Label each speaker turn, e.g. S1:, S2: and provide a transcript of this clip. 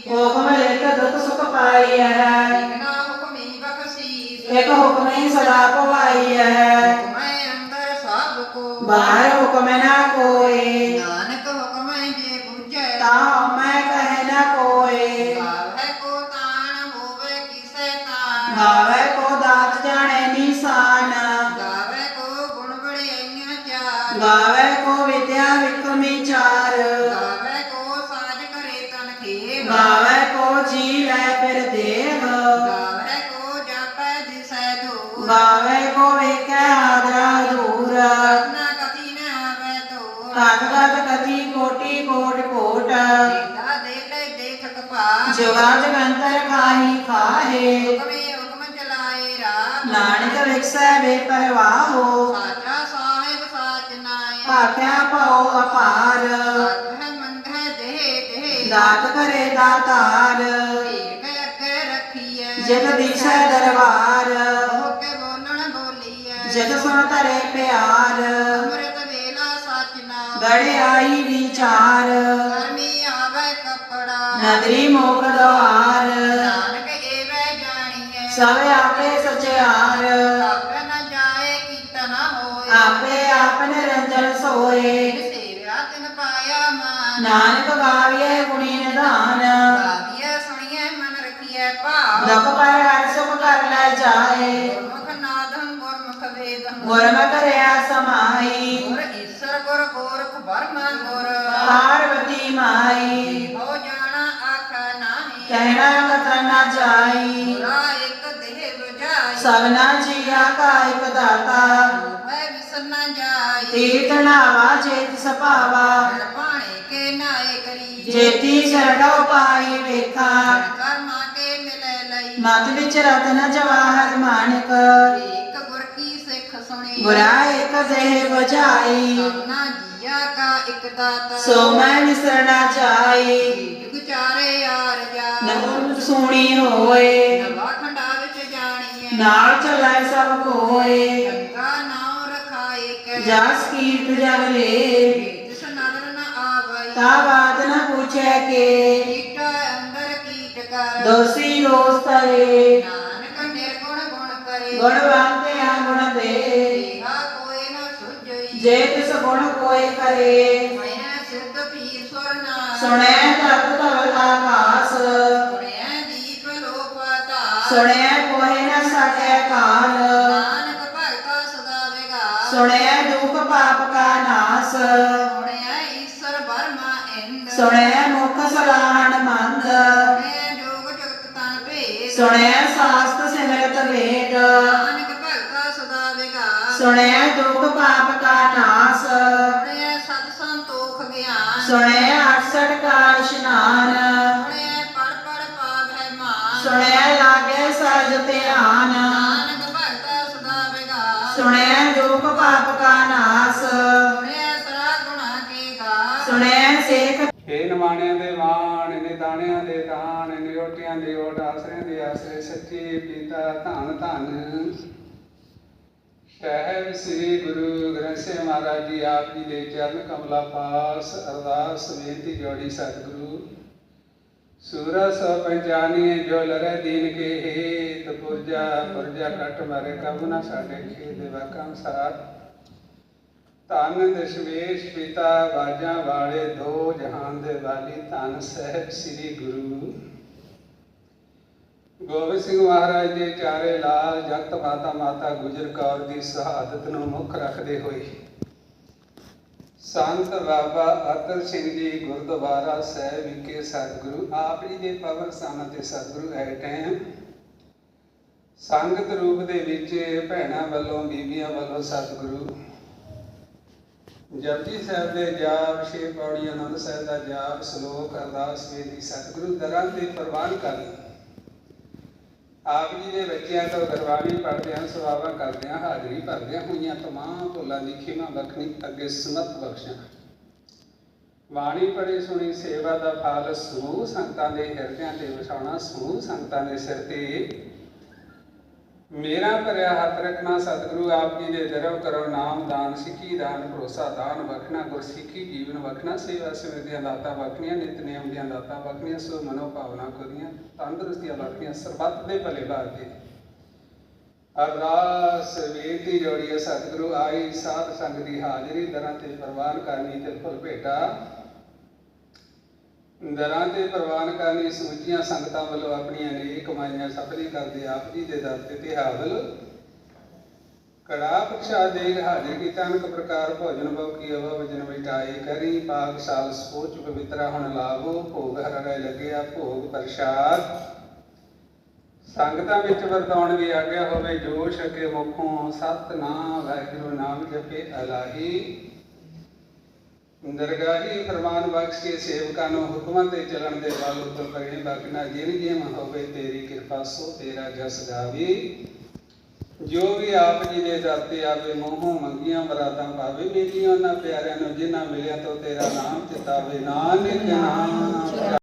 S1: ਹੁਕਮ ਲਿਖ ਦੁਖ ਸੁਖ ਪਾਈ ਹੈ।
S2: ਬਿਨਾ ਹੁਕਮੀ ਬਖਸ਼ੀਸ
S1: ਇੱਕ ਹੁਕਮੀ ਸਦਾ ਪਵਾਈ ਹੈ।
S2: ਹੁਕਮੈ ਅੰਦਰ ਸਭ ਕੋ
S1: ਬਾਹਰ ਹੁਕਮ ਨਾ ਕੋਏ।
S2: ਨਾਨਕ ਹੁਕਮੈ ਜੇ ਬੁਝੈ
S1: ਤਾਂ ਮੈਂ ਕਹੇ ਨਾ ਕੋਏ।
S2: ਗਾਵੈ ਕੋ ਤਾਣ ਹੋਵੇ ਕਿਸੈ ਤਾਣ
S1: ਗਾਵੇ ਕੋ ਦਾਤ ਜਾਣੇ ਨਿਸ਼ਾਨ।
S2: ਗਾਵੈ ਕੋ ਗੁਣ ਬੜਾਈਆਂ ਚਾਰ
S1: ਗਾਵੇ ਕੋ ਵਿਦਿਆ ਵਿਕਰਮੀ ਚਾਰ।
S2: ਗਾਵੈ ਕੋ ਸਾਜ ਕਰੇ ਤਨ ਖੇਵ
S1: ਗਾਵੇ ਕੋ ਜੀ ਲੈ ਫਿਰ ਦੇਵ।
S2: ਗਾਵੈ ਕੋ ਜਾਪੈ ਦਿਸੈ ਦੂਰ
S1: ਗਾਵੇ ਕੋ ਵੇਖੈ ਹਾਦਰਾ ਦੂਰ।
S2: ਨਾ ਕਥੀ ਨ ਆਵੈ ਤੋਰ
S1: ਕਥ ਕਥ ਕਥੀ ਕੋਟੀ ਕੋਟ ਕੋਟ।
S2: ਦੇਦਾ ਦੇ ਦੇਖ ਕਪਾਹ
S1: ਜੁਗਾ ਜਗੰਤਰ ਖਾਹੀ ਖਾਹੇ।
S2: ਹੁਕਮੇ ਹੁਕਮ ਚਲਾਏ ਰਾਹ
S1: ਨਾਨਕ ਵਿਖਸੈ ਬੇਪਰਵਾਹੋ।
S2: ਸਾਚਾ ਸਾਹਿਬ ਸਾਚ ਨਾਏ
S1: ਭਾਖਿਆ ਭਉ ਅਪਾਰ।
S2: ਆਖੈ ਮੰਗੈ ਦੇਹ ਦੇਹ
S1: ਦਾਤ ਕਰੇ ਦਾਤਾਰ।
S2: ਏਕ ਅੱਗੇ ਰੱਖੀਐ
S1: ਜਿਤ ਦਿਸੈ ਦਰਬਾਰ।
S2: ਹੋ ਕੇ ਬੋਲਣ ਬੋਲੀਐ
S1: ਜਿਤ ਸੁਣ ਧਰੇ ਪਿਆਰ।
S2: ਅੰਮ੍ਰਿਤ ਵੇਲਾ ਸਚ ਨਾਮ
S1: ਗੜਿਆਈ ਵਿਚਾਰ।
S2: ਗਰਮੀ ਆਵੈ ਕੱਪੜਾ
S1: ਨਦਰੀ ਮੋਖ ਦੁਆਰ।
S2: ਨਾਨਕ ਏਵੈ ਜਾਣੀਐ
S1: ਸਭ ਆਪੇ ਸਚਿਆਰ।
S2: ਆਪੇ ਨ ਜਾਏ ਕੀਤਾ ਨ ਹੋਏ
S1: ਆਪੇ ਆਪ ਨਿਰੰਜਨ ਸੋਏ।
S2: ਜਿਨ ਸੇਵਿਆ ਤਿਨ ਪਾਇਆ ਮਾਨ
S1: ਨਾਨਕ ਗਾਵੀਏ ਗੁਣੀ ਨਿਧਾਨ।
S2: ਗਾਵੀਐ ਸੁਣੀਐ ਮਨ ਰਖੀਐ ਭਾਵ
S1: ਦੁਖ ਪਰ ਹਰ ਸੁਖ ਕਰ ਲੈ ਜਾਏ।
S2: ਗੁਰਮੁਖ ਨਾਦੰ ਗੁਰਮੁਖ ਵੇਦੰ
S1: ਗੁਰਮਤਿ ਰਿਆ ਸਮਾਈ।
S2: ਗੁਰ ਈਸਰ ਗੁਰ ਗੋਰਖ ਬਰਮ ਗੁਰ
S1: ਪਾਰਵਤੀ ਮਾਈ।
S2: ਹੋ ਜਾਣਾ ਆਖਾ ਨਾਹੀ
S1: ਕਹਿਣਾ ਕਥਨ ਨਾ ਜਾਈ।
S2: ਗੁਰਾ ਇੱਕ ਦੇਹ ਬੁਝਾਈ
S1: ਸਭਨਾ ਜੀਆ ਕਾ ਇਕ ਦਾਤਾ।
S2: ਹੈ ਵਿਸਰ ਨ ਜਾਈ
S1: ਤੀਰਥ ਨਾਵਾ ਚੇਤ ਸਭਾਵਾ।
S2: ਹਰ ਭਾਣੇ ਕੇ ਨਾਏ ਕਰੀ
S1: ਜੇਤੀ ਸਰਣੋ ਪਾਈ ਵੇਖਾ।
S2: ਕਰਮਾ ਕੇ ਮਿਲੈ ਲਈ
S1: ਮਤ ਵਿੱਚ ਰਤਨ ਜਵਾਹਰ ਮਾਨਕ।
S2: ਏਕ ਗੁਰ ਕੀ ਸਿੱਖ ਸੁਣੀ
S1: ਗੁਰਾ ਇਕ ਦੇਹ ਬੁਝਾਈ।
S2: ਕਰਨਾ ਜੀਆ ਕਾ ਇੱਕ ਦਾਤਾ
S1: ਸੋ ਮੈਂ ਵਿਸਰਣਾ ਜਾਈ।
S2: ਜੁਗ ਚਾਰੇ ਆਰ ਜਾ
S1: ਨਹੁ ਸੋਣੀ ਹੋਏ।
S2: ਨਵਾ ਖੰਡਾ ਵਿੱਚ ਜਾਣੀਐ
S1: ਨਾਲ ਚਲਾਇ ਸਭ ਕੋਏ।
S2: ਗੰਗਾ ਨਾਉ ਰਖਾਏ ਕੈ
S1: ਜਸ ਕੀਰਤ ਜਗ ਲੇ।
S2: ਜਿਸ ਨਦਰ ਨ ਆਵਈ
S1: ਤਾ ਬਾਤ ਨ ਪੁੱਛੈ ਕੇ।
S2: ਕੀਟ ਅੰਦਰ ਕੀਟ ਕਰ
S1: ਦੋਸੀ ਦੋਸ ਤਰੇ।
S2: ਨਾਨਕ ਨਿਰਗੁਣ ਗੁਣ ਕਰੇ
S1: ਗੁਣਵੰਤਿਆ ਗੁਣ ਦੇ।
S2: ਏਹਾ ਕੋਈ ਨ ਸੁਝਈ
S1: ਜੇ ਤਿਸ ਗੁਣ ਕੋਇ ਕਰੇ।
S2: ਮੈਂ ਸਿੱਧ ਪੀਰ ਸੁਰ ਨਾਮ
S1: ਸੁਣੈ ਤਤ ਧਵਲ ਆਕਾਸ।
S2: ਸੁਣਿਐ ਦੀਪ ਲੋ ਪਾਤਾਲ
S1: ਸੁਣਿਆ ਕੋਇ ਨ ਸਕੈ ਕਾਲ।
S2: ਨਾਨਕ ਭਗਤਾ ਸਦਾ ਵਿਗਾਸ
S1: ਸੁਣਿਆ ਦੁਖ ਪਾਪ ਕਾ ਨਾਸ।
S2: ਸੁਣਿਐ ਈਸਰ ਬਰਮਾ ਇੰਦ
S1: ਸੁਣਿਆ ਮੁਖ ਸਲਾਹਣ ਮੰਦ।
S2: ਸੁਣਿਐ ਜੋਗ ਜਗਤ ਤਨ ਭੇਦ
S1: ਸੁਣਿਆ ਸਾਸਤ ਸਿਮਰਤ ਵੇਦ।
S2: ਨਾਨਕ ਭਗਤਾ ਸਦਾ ਵਿਗਾਸ
S1: ਸੁਣਿਆ ਦੁਖ ਪਾਪ ਕਾ ਨਾਸ।
S2: ਸੁਣਿਐ ਸਤ ਸੰਤੋਖ ਗਿਆਨ
S1: ਸੁਣਿਆ 68 ਕਾ ਇਸ਼ਨਾਨ।
S2: ਸੁਣਿਐ ਪੜ ਪੜ ਪਾਵੈ ਮਾਨ
S1: ਸੁਣਿਆ ਲਾਗੇ ਸਜ ਧਿਆਨ।
S2: ਨਾਨਕ ਭਗਤਾ ਸਦਾ ਵਿਗਾਸ
S1: ਸੁਣਿਆ ਦੁਖ ਪਾਪ ਕਾ ਨਾਸ।
S2: ਸੁਣਿਐ ਸਰਾ ਗੁਣਾ ਕੇ ਗਾਸ
S1: ਸੁਣਿਆ ਸੇਖ
S3: ਹੇ ਨਿਮਾਣਿਆਂ ਦੇ ਵਾਣ ਨੇ ਦਾਣਿਆਂ ਦੇ ਦਾਣ ਨੇ ਓਟਿਆਂ ਦੇ ਓਟ ਆਸਰਿਆਂ ਦੇ ਆਸਰੇ ਸੱਚੇ ਪਿਤਾ ਧੰਨ ਧੰਨ ਸਾਹਿਬ ਸ੍ਰੀ ਗੁਰੂ ਗ੍ਰੰਥ ਸਾਹਿਬ ਮਹਾਰਾਜ ਜੀ ਆਪ ਜੀ ਦੇ ਚਰਨ ਕਮਲਾ ਪਾਸ ਅਰਦਾਸ ਬੇਨਤੀ ਜੋੜੀ ਸਤਿਗੁਰੂ ਸੂਰਾ ਸੋ ਪੰਚਾਨੀ ਜੋ ਲਰੇ ਦੀਨ ਕੇ ਹੇਤ ਪੁਰਜਾ ਪੁਰਜਾ ਕਟ ਮਾਰੇ ਕਬ ਨਾ ਸਾਡੇ ਖੇ ਦੇ ਵਾਕਾਂ ਸਾਰ ਧੰਨ ਦਸ਼ਮੇਸ਼ ਪਿਤਾ ਬਾਜਾਂ ਵਾਲੇ ਦੋ ਜਹਾਨ ਦੇ ਵਾਲੀ ਧੰਨ ਸਾਹਿਬ ਸ੍ਰੀ ਗੁਰੂ ਗੋਬਿੰਦ ਸਿੰਘ ਮਹਾਰਾਜ ਦੇ ਚਾਰੇ ਲਾਲ ਜਗਤ ਮਾਤਾ ਮਾਤਾ ਗੁਜਰ ਕੌਰ ਦੀ ਸ਼ਹਾਦਤ ਨੂੰ ਮੁੱਖ ਰੱਖਦੇ ਹੋਏ ਸੰਤ ਬਾਬਾ ਅਤਰ ਸਿੰਘ ਜੀ ਗੁਰਦੁਆਰਾ ਸਾਹਿਬ ਵਿਖੇ ਸਤਿਗੁਰੂ ਆਪ ਜੀ ਦੇ ਪਵਨ ਸਥਾਨ ਤੇ ਸਤਿਗੁਰੂ ਐ ਟਾਈਮ ਸੰਗਤ ਰੂਪ ਦੇ ਵਿੱਚ ਭੈਣਾਂ ਵੱਲੋਂ ਬੀਬੀਆਂ ਵੱਲੋਂ ਸਤਿਗੁਰੂ ਜਪਜੀ ਸਾਹਿਬ ਦੇ ਜਾਪ 6 ਪੌੜੀ ਆਨੰਦ ਸਾਹਿਬ ਦਾ ਜਾਪ ਸ਼ਲੋਕ ਅਰਦਾਸ ਬੇਨਤੀ ਸਤਿਗੁਰੂ ਦਰਾਂ ਤੇ ਪ੍ਰਵਾਨ ਕਰ ਆਪ ਜੀ ਦੇ ਬੱਚਿਆਂ ਤੋਂ ਗੁਰਬਾਣੀ ਪੜ੍ਹਦੇ ਹਨ ਸੇਵਾਵਾਂ ਕਰਦੇ ਹਾਂ ਹਾਜ਼ਰੀ ਭਰਦਿਆਂ ਹੋਈਆਂ ਤਮਾਮ ਭੁੱਲਾਂ ਦੀ ਖਿਮਾ ਬਖਸ਼ਣੀ ਅੱਗੇ ਸਮਤ ਬਖਸ਼ਾਂ ਬਾਣੀ ਪੜ੍ਹੀ ਸੁਣੀ ਸੇਵਾ ਦਾ ਫਲ ਸਮੂਹ ਸੰਗਤਾਂ ਦੇ ਹਿਰਦਿਆਂ ਤੇ ਵਸਾਉਣਾ ਸਮੂਹ ਸੰਗਤਾਂ ਦੇ ਸਿਰ ਤੇ ਮੇਰਾ ਭਰਿਆ ਹੱਥ ਰੱਖਣਾ ਸਤਿਗੁਰੂ ਆਪ ਜੀ ਦੇ ਦਰਵ ਕਰੋ ਨਾਮ ਦਾਨ ਸਿੱਖੀ ਦਾਨ ਭਰੋਸਾ ਦਾਨ ਬਖਣਾ ਗੁਰਸਿੱਖੀ ਜੀਵਨ ਬਖਣਾ ਸੇਵਾ ਸਿਮਰ ਦੀਆਂ ਦਾਤਾਂ ਬਖਣੀਆਂ ਨਿਤ ਨਿਯਮ ਦੀਆਂ ਦਾਤਾਂ ਬਖਣੀਆਂ ਸੋ ਮਨੋ ਭਾਵਨਾ ਕੋਦੀਆਂ ਤੰਦਰੁਸਤੀਆਂ ਬਖਣੀਆਂ ਸਰਬੱਤ ਦੇ ਭਲੇ ਭਾਗੇ ਅਰਦਾਸ ਬੇਨਤੀ ਜੋੜੀਏ ਸਤਿਗੁਰੂ ਆਈ ਸਾਧ ਸੰਗ ਦੀ ਹਾਜ਼ਰੀ ਦਰਾਂ ਤੇ ਪ੍ਰਵਾਨ ਕਰਨੀ ਤੇ ਫੁੱਲ ਭੇਟਾ ਦਰਾਂ ਤੇ ਪ੍ਰਵਾਨ ਕਰਨੀ ਸਮੁੱਚੀਆਂ ਸੰਗਤਾਂ ਵੱਲੋਂ ਆਪਣੀਆਂ ਨੇਕ ਕਮਾਈਆਂ ਸਫਲੀ ਕਰਦੇ ਆਪ ਜੀ ਦੇ ਦਰ ਤੇ ਹਾਵਲ ਕੜਾ ਪ੍ਰਸ਼ਾਦ ਦੇ ਹਾਜ਼ਰ ਕੀਤਾ ਅਨਕ ਪ੍ਰਕਾਰ ਭੋਜਨ ਭਉ ਕੀ ਅਵਾ ਵਜਨ ਵਿਟਾਈ ਕਰੀ ਪਾਕ ਸਾਲ ਸੋਚ ਪਵਿੱਤਰਾ ਹੁਣ ਲਾਭੋ ਭੋਗ ਹਰ ਰਹੇ ਲੱਗਿਆ ਭੋਗ ਪ੍ਰਸ਼ਾਦ ਸੰਗਤਾਂ ਵਿੱਚ ਵਰਤਾਉਣ ਦੀ ਆਗਿਆ ਹੋਵੇ ਜੋ ਛਕੇ ਮੁਖੋਂ ਸਤਿਨਾਮ ਵਾਹਿਗੁਰੂ ਨਾਮ ਜਪੇ ਅਲਾਹੀ ਦਰਗਾਹੀ ਫਰਮਾਨ ਬਖਸ਼ ਕੇ ਸੇਵਕਾਂ ਨੂੰ ਹੁਕਮਾਂ ਤੇ ਚੱਲਣ ਦੇ ਵੱਲ ਉੱਪਰ ਕਰੇ ਬਖਨਾ ਜਿਨ ਜਿਮ ਹੋਵੇ ਤੇਰੀ ਕਿਰਪਾ ਸੋ ਤੇਰਾ ਜਸ ਗਾਵੇ ਜੋ ਵੀ ਆਪ ਜੀ ਦੇ ਦਰ ਤੇ ਆਵੇ ਮੋਹੋਂ ਮੰਗੀਆਂ ਮਰਾਦਾਂ ਪਾਵੇ ਮੇਰੀਆਂ ਉਹਨਾਂ ਪਿਆਰਿਆਂ ਨੂੰ ਜਿਨ੍ਹਾਂ ਮਿਲਿਆ ਤੋਂ ਤੇਰਾ ਨਾਮ ਚਿਤਾਵੇ ਨਾਨਕ ਨਾਮ